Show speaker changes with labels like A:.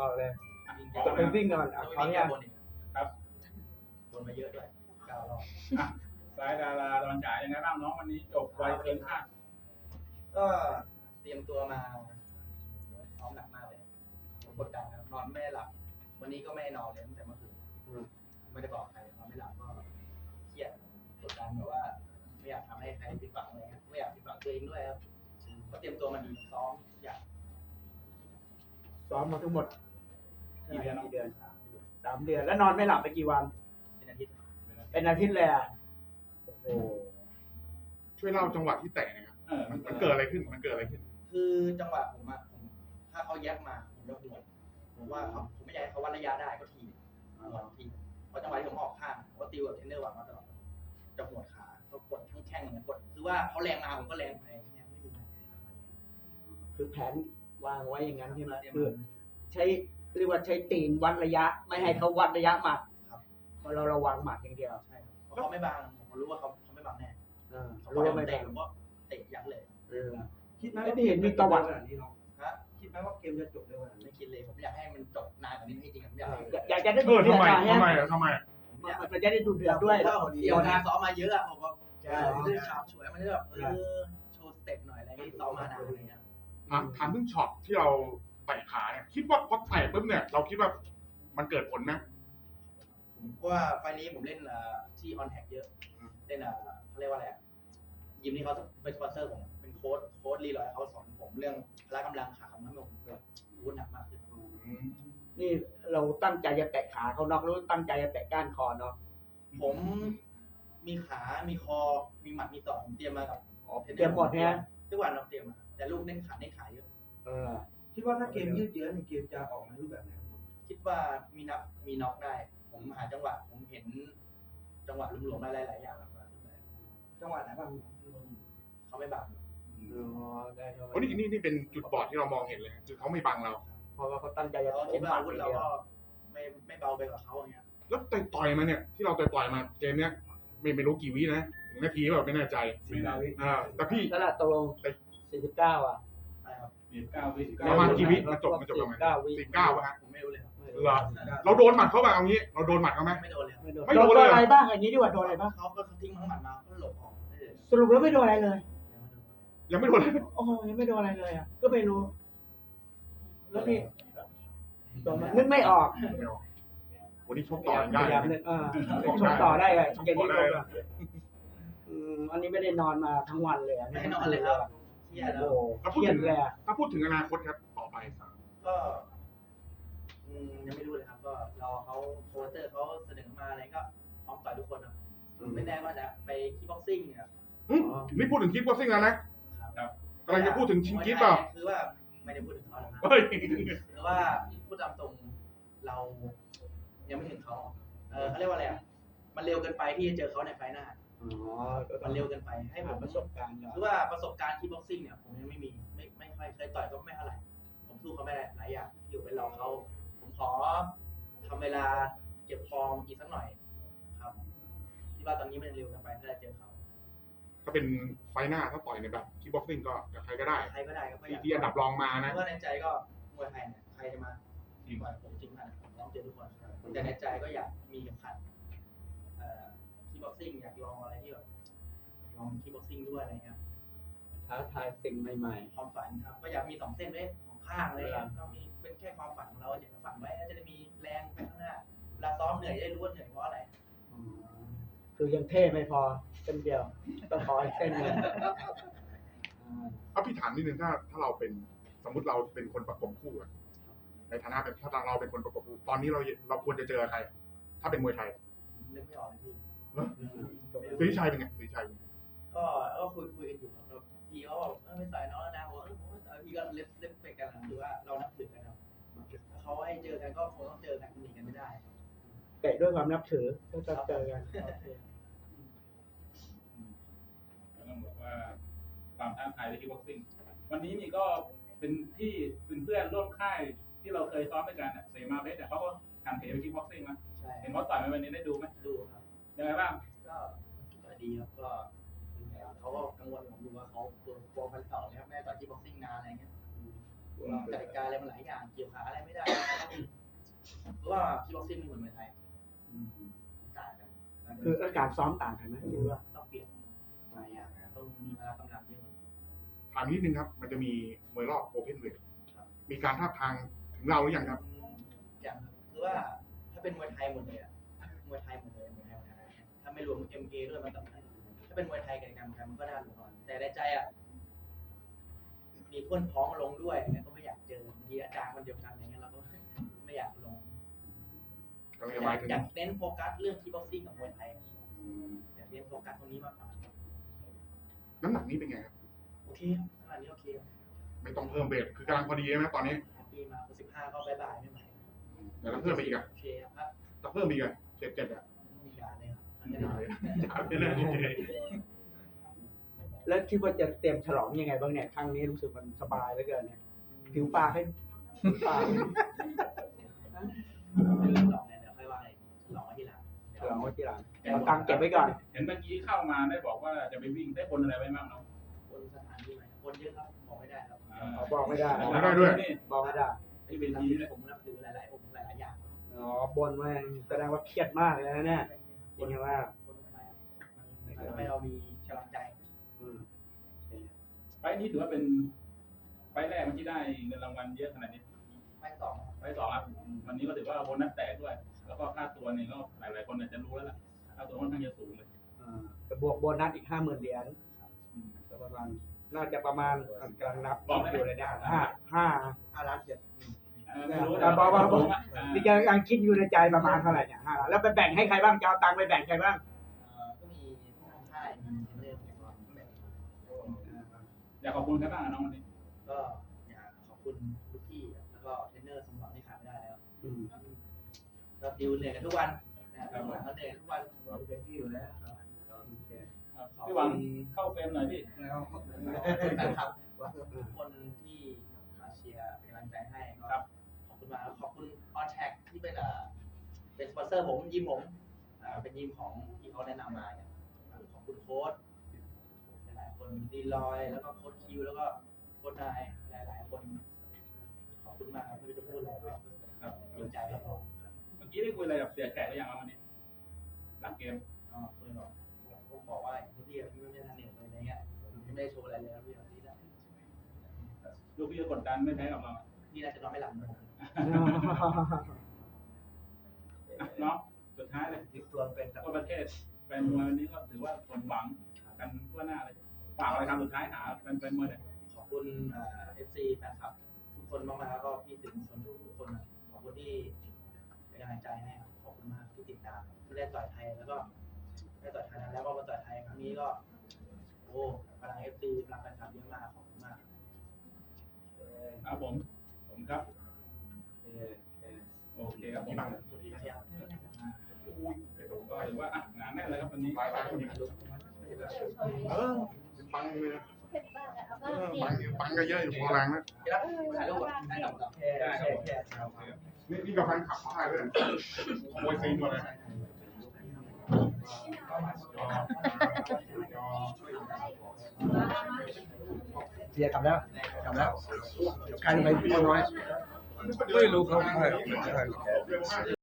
A: อกเลย
B: ขอ
A: จะไปวิ่งก่อน
C: ต้
A: ขอ
C: อง
A: อนุ
C: มีแก้
A: ญาต
C: บนอีก
B: ครับ
C: บนมาเยอะด้วย9 รอบ
B: สายดาราดอนฉายยังไงบ้างน้องวันนี้จบไวเกินคาด
C: ก็เตรียมตัวมาซ้อมหนักมากเลยกดดันครับนอนไม่หลับวันนี้ก็ไม่นอนเลยตั้งแต่เมื่อคืนไม่ได้บอกใครนอนไม่หลับก็เครียดกดดันแบบว่าไม่อยากทำให้ใครผิดหวังอะไรเงี้ยไม่อยากผิดหวังตัวเองด้วยครับก็เตรียมตัวมาดีซ้อมอยาก
A: ซ้อมมาทั้งหมด
B: กี่เดือน
A: 3 เดือนแล้วนอนไม่หลับไปกี่วัน
C: เป็นอาทิตย์
A: เป็นอาทิตย์เลยอ่ะโอ้โห
D: ช่วยเล่าจังหวะที่แตะนะครับมันเกิดอะไรขึ้นมันเกิดอะไรขึ้น
C: คือจังหวะผมถ้าเขาแยกมาผมจะหัวผมว่าผมไม่อยากให้เขาวัดระยะได้ก็ทีเพราะจังหวะที่ผมออกข้างผมก็ติวกับเทรนเนอร์วางมาตลอดจะหัวขาก็กดทั้งแข้งเนี่ยกดคือว่าเขาแรงมาผมก็แรงไปเนี่ยไม่ดี
A: คือแผนวางไว้อย่างนั้นใช่ไหมคือใช้เรียกว่าใช้ตีนวัดระยะ ไม่ให้เขาวัดระยะหมัดเพราะเราระวังหมัดอย่างเดียว
C: ใช่เพราะเขาไม่บังผมรู้ว่าเขาไม่บังแน่เขา
A: รู้ว่าไม่
C: เตะ
A: ได้
C: ผมก็เตะยัดเลย
E: คิดไหม
A: ไม่
E: ว่า
A: ได้เห็นมีประวัติ
C: ฮะ
E: คิดไหมว่าเกมจะจบเร็วขนาด
C: ไม่
E: นี้
C: คิดเลยผมอยากให้มันจบนานกว่านี้ให้จริงผมอยากให้
A: อยากจะได้ดูเดือด
D: ทำไม
A: ใช่ไหม
D: ทำไม
A: มันจะได้ดูเดือดด้วย
C: เพราะว่าเดี๋ยวนะซ้อมมาเยอะอะผมก็
A: ใช่
C: มันจะฉาบฉวยมันจะแบบโชว์สเต็ปหน่อยอะไรที่ซ้อมมานานอะไรเงี้ย
D: ถามถึงช็อตที่เราเตะขาเนี่ยคิดว่าพอเตะปุ๊บเนี่ยเราคิดว่ามันเกิดผลนะ
C: ผมว่าไฟล์นี้ผมเล่นที่ออนแท็กเยอะเล่นเขาเรียกว่าอะไรยิมนี่เขาเป็นสปอนเซอร์ผมเป็นโค้ดรีลอยเขาสอนผมเรื่องพละกำลังขาของผมแบบรู้หนักมากขึ้น
A: นี่เราตั้งใจจะแตะขาเขานอกหรือตั้งใจจะแตะก้านคอเนาะ
C: ผมมีขา มีคอ มีหมัด มีศอกผมเตรียมมากับ
A: เตรียมหมดเนี่ย
C: ทุกวันเราเตรียมมาแต่ลูกเน้นขาเยอะ
E: คิดว่าถ้าเกมยืดเยื้อเกมจะออกมารูปแบบไหน
C: คิดว่ามีน็อกได้ ผมหาจังหวะผมเห็นจังหวะหลวมๆได้หลายอย่างครับ
E: จังหวะไหนบ้าง
C: เขาไม่บัง
D: โอ้นี่เป็นจุดบอดที่เรามองเห็นเลยคือเขาไม่บังเรา
A: เพราะว่าเขาตั้งใจจะ
C: เรา
A: โถ
C: คิด
A: ม
C: ว่า
A: หมัด
C: อาวุธ
A: อ
C: เรา
A: ย่างเดียว
C: ก็ไม่เบาไปกว่าเขาอย่างเงี้ย
D: แล้วต่อยมาเนี่ยที่เราต่อยมาเกมเนี้ยไม่รู้กี่วินะถึงนาทีแบบไม่แน่ใจ
B: ไม่ได้
D: แต่พี่
A: นั่นแหละตกลง49อ่ะ
C: ใช่ครับ
B: 9 วิ
D: ประมาณกี่วิมันจบประมาณ
A: 49 วิ
D: 49ป่ะฮะ
C: ผมไม่รู้เลยครับ
D: เหรอเราโดนหมัดเขาแบบเอางี้เราโดนหมัดเขาไหม
C: ไม่โดนเลยครับ
A: ไม่โดน
D: ไม่โดนเลย
A: อะไรบ้างอย่างนี้ดีกว่าโดนอะไรบ้าง
C: เขาก็ทิ้งทั้งหมัดมาก็หลบออก
A: สรุปแล้วไม่โดนอะไรเลย
D: ยังไม่โดนเลย
A: โอ้โหยังไม่โดนอะไรเลยอ่ะก็ไม่รู้แล้วนี่โดนมันนึกไม่ออก
D: วันนี้ชกต่อได้
A: พยายามนึกชกต่อได้เลยเย็นนี้ชกอันนี้ไม่ได้นอนมาทั้งวันเลย
C: ไม่นอนเลยครับเครียดแล้ว
A: โอ้เครียดเลย
D: ถ้าพูดถึงอนาคตครับต่อไป
C: ก็ยังไม่รู้เลยครับก็รอเขาโค้ชเตอร์เขาเสนอมาอะไรก็พร้อมต่อยทุกคนครับไม่แน่ว่าจะไปคิกบ็อกซิ่งเนี่ย
D: นี่พูดถึงคิดบ็อกซิ่งแล้วนะครับ กำลังจะพูดถึงชิงคิดเปล่า
C: คือว่าไม่ได้พูดถึงเขานะครับ
D: เฮ้ย
C: คือว่าพูดตามตรงเรายังไม่ถึงเขาเขาเรียกว่าอะไรมันเร็วเกินไปที่จะเจอเขาในไฟหน้ามันเร็วเกินไปให้ผม
A: ประสบการณ์
C: คือว่าประสบการณ์คิกบ็อกซิ่งเนี่ยผมยังไม่มีไม่ค่อยเคยต่อยก็ไม่เท่าไหร่ผมสู้เขาไม่ได้หลายอย่างอยู่ไปรอเขาผมขอทำเวลาเก็บฟอร์มอีกสักหน่อยครับที่ว่าตอนนี้มันเร็วเกินไปที่จะเจอเขา
D: ถ้าเป็นไฟหน้าถ้าต่อยในแบบคิกบ็อกซิ่งก็กับใครก็ได้
C: ใครก็ได้ครับ
D: ที่อันดับรองมานะ
C: เพราะว่าในใจก็มวยไทยเนี่ยใครจะมาต่อยผมจริงขนาดผมต้องเจอทุกคนแต่ในใจก็อยากมีเข็มขัดคิกบ็อกซิ่งอยากลองอะไรที่แบบลองคิกบ็อกซิ่งด้วยอะไรเงี้ย
A: ท้าทายสิ่งใหม่
C: ความฝันครับก็อยากมี2 เส้นไว้ของข้างเลยก็มีเป็นแค่ความฝันของเราอยากจะฝันไว้จะได้มีแรงไปข้างหน้าเวลาซ้อมเหนื่อยจะได้รู้ว่าเหนื่อยเพราะอะไร
A: ๆคือยังเท่ไม่พอเส้นเดียวต้องขออีกเส้นหนึง
D: ถ้าพี่ถามนิดนึงถ้าเราเป็นสมมติเราเป็นคนประกบคู่อะในฐานะเป็นถ้าเราเป็นคนประกบคู่ตอนนี้เราควรจะเจอใคร ถ้าเป็นมวยไทย
C: นึกไม่ออกเลยพี่
D: ศรีชัยเป็นไงศรีชัย
C: ก็คุยกันอยู่ครับพี่เขาบอกไม่ต่อยน้องแล้วนะผมพี่ก็เล็บไปกันคือว่าเรานับถือกันครับเขาให้เจอกันก็คงต้องเจอกันหนีกันไม่ได้
A: เตะด้วยความนับถือก็จะเจอกัน
B: ต้องบอกว่าความท้าทายในคิกบ็อกซิ่งวันนี้นี่ก็เป็นที่เป็นเพื่อนร่วมค่ายที่เราเคยซ้อมด้วยกันเสมาเบสแต่เขาก็ทำเพจไปคิกบ็อกซิ่งนะ
C: ใช่
B: เห็นว่าต่อยวันนี้ได้ดูไหม
C: ดูครับ
B: ยังไงบ้าง
C: ก็ดีครับก็เขาก็กังวลผมดูว่าเขาตัวพันสองนะครับแม่ต่อยที่บ็อกซิ่งนานอะไรเงี้ยกติกาอะไรมันหลายอย่างเกี่ยวขาอะไรไม่ได้เพราะว่าคิกบ็อกซิ่งไม่เหมือนมวยไทยต่างกัน
A: คืออาการซ้อมต่างกันไหมคิดว่า
C: ต้องเปลี่ยนหลายอย่างนะต้องมีพละกำลังเยอะ
D: ถามนิดนึงครับ มันจะมีมวยรอบโอเพนเวทมีการทาบทางถึงเราหรือยังครับ
C: อย่างคือว่าถ้าเป็นมวยไทยหมดเลยอะมวยไทยหมดเลยมวยไทยถ้าไม่รวม MA ด้วยมันต้องถ้าเป็นมวยไทยกับการมันก็น่ารู้ก่อนแต่ในใจอ่ะมีเพื่อนพ้องลงด้วยเนี่ยก็ไม่อยากเจอบางทีอาจารย์คนเดียวกันอะไรเงี้ยเราก็ไม่อยากลง
D: ก็เลยหมายถึง
C: อยากเน้นโฟกัสเรื่องคีบ็อกซิ่งกับมวยไทยอยากเน้นโฟกัสตรงนี้มากกว่า
D: น้ำหนักนี้เป็นไงครับ
C: โอเคขนาดนี้โอเค
D: ไม่ต้องเพิ่มเวทคือกำลังพอดีใช่ไหมตอนนี้
C: ปีมา15ก็บายบายไม่ไหว
D: เดี๋ยวต้องเพิ่มไปอีกอ่ะ
C: โอเคครับ
D: ต้องเพิ่มอีกอ่ะ7อ่ะ
C: มีการเลยครับ
D: อย่าเลยอย่าเลย
A: แล้วคิดว่าจะเตรียมฉลองยังไงบ้างเนี่ยครั้งนี้รู้สึกมันสบายเหลือเกินเนี่ยผิวปากให้ผิวปาก
C: ไม่ลืมหรอกเนี่ยเดี๋ยวค่อยว่าฉลองไว้ทีหลัง
A: ฉลองไว้ทีหลังเอาตังค์เก็บไว้ก่อน
B: เห็นเมื่อกี้เข้ามาได้บอกว่าจะไปวิ่งได้บนอะไรไว้บ้างเนาะ
C: คนสถานที่ไหนคนเยอะครับบอกไม่ได้ครับ
A: บอกไม่ได้
D: บอกไม่ได้ด้วย
A: บอกไม่ได้
B: ที่เป็นทีนี่แหละ
C: ผมนับถือหลายๆองค์หลายๆอย่าง
A: อ๋อบนว่าแสดงว่าเครียดมากเลยนะเนี่ยจริงๆว่า
C: คนไปมันทำให้เรามีกำลังใจ
A: อืม
B: ไฟล์นี้ถือว่าเป็นไฟล์แรกที่ได้เงินรางวัลเยอะขนาดนี้
C: ไม่สอง
B: ไฟล์สองครับวันนี้ก็ถือว่าโบนัสแตกด้วย แล้วก็ค่าตัวเนี่ยก็หลายๆคนอาจจะรู้แล้วล่ะค่าตัวค่อนข้างจะสูงเลย
A: จะบวกโบนัสอีก50,000 เหรียญก็ประมาณน่าจะประมาณกำลังนับอยู่เลยเนี่ย5 ล้าน7
B: ไม่รู้
A: นี่ยังคิดอยู่ในใจประมาณเท่าไหร่เนี่ย5 ล้านแล้วไปแบ่งให้ใครบ้างจะเอาตังค์ไปแบ่งใครบ้าง
C: ก็มีค่ายมีเทรนเนอร์แบบ
B: อยากขอบคุณใครบ้างน้องวันนี้
C: ก็อยากขอบคุณลูกพี่แล้วก็เทรนเนอร์สมบัติที่ขาดไม่ได้แล้วก็ดิวเหนื่อยกันทุกวันนะครับเขาเหนื่อยทุกวัน
E: เป็นที่อยู่แล้ว
B: พี่หวังเข้าเฟรมหน่อยพี่
E: แล้ว
C: แฟนคลับทุกคนที่มาเชียร์เป็นกำลังใจให้ก็ขอบคุณมากขอบคุณออนแท็กที่เป็นสปอนเซอร์ผมยิมผมเป็นยิมของที่เขาแนะนำมาเนี่ยขอบคุณโค้ชหลายๆคนดีลอยแล้วก็โค้ชคิวแล้วก็โค้ชนายหลายๆคนขอบคุณมากครับไม่รู้จะพูดอะไรครับดีใจครับผม
B: เมื่อกี้ได้คุยอะไรกับเสียแขกหรือยังครับวันนี้หลังเกม
C: เคยบอกผมบอกว่าพี่ไม่ได้ทันเหนื่อยเลยอะไรเงี้ยไม่ได้โชว์อะไรเลยพี่แบบนี้นะ
B: ลูกพี่ก็กดดันไม่แพ้กับเรา
C: นี่น่าจะนอนไม่หลับเลย
B: เนาะสุดท้ายเลย
E: ติดตัวเป็น
B: ทั่วประเทศแฟนมวยวันนี้ก็ถือว่าสมหวังกันทั่วหน้าเลยฝากอะไรคำสุดท้ายหาแฟนมวยหน่อย
C: ขอบคุณFC แฟนคลับทุกคนมากๆแล้วก็พี่ถึงส่วนทุกคนขอบคุณที่เป็นกำลังใจให้ครับขอบคุณมากที่ติดตามที่ได้ต่อยไทยแล้วก็ได้ต่อยไทยแล้วก็มาต่อยไทยครั้งนี้ก็โอ้พลัง FC พลังแฟนคลับเยอะมากขอบคุณมาก
B: ครับผมครับโอเคครับผม
C: สวัสดีครับ
B: ก็ถือว่าหนาแน่นเลยครับวันนี้
D: เป็นปังเลยนะปังก็เยอะอยู่พอแรงนะ
C: ที่รักถ่ายรูปได้กับ
B: ได้ครับ
D: นี่กับแฟนขับเขาได้ด้วยขโมยซีนมาเลย
E: เสียกลับแล้วกลายเป็นไปน้อยไม่รู้เขาใคร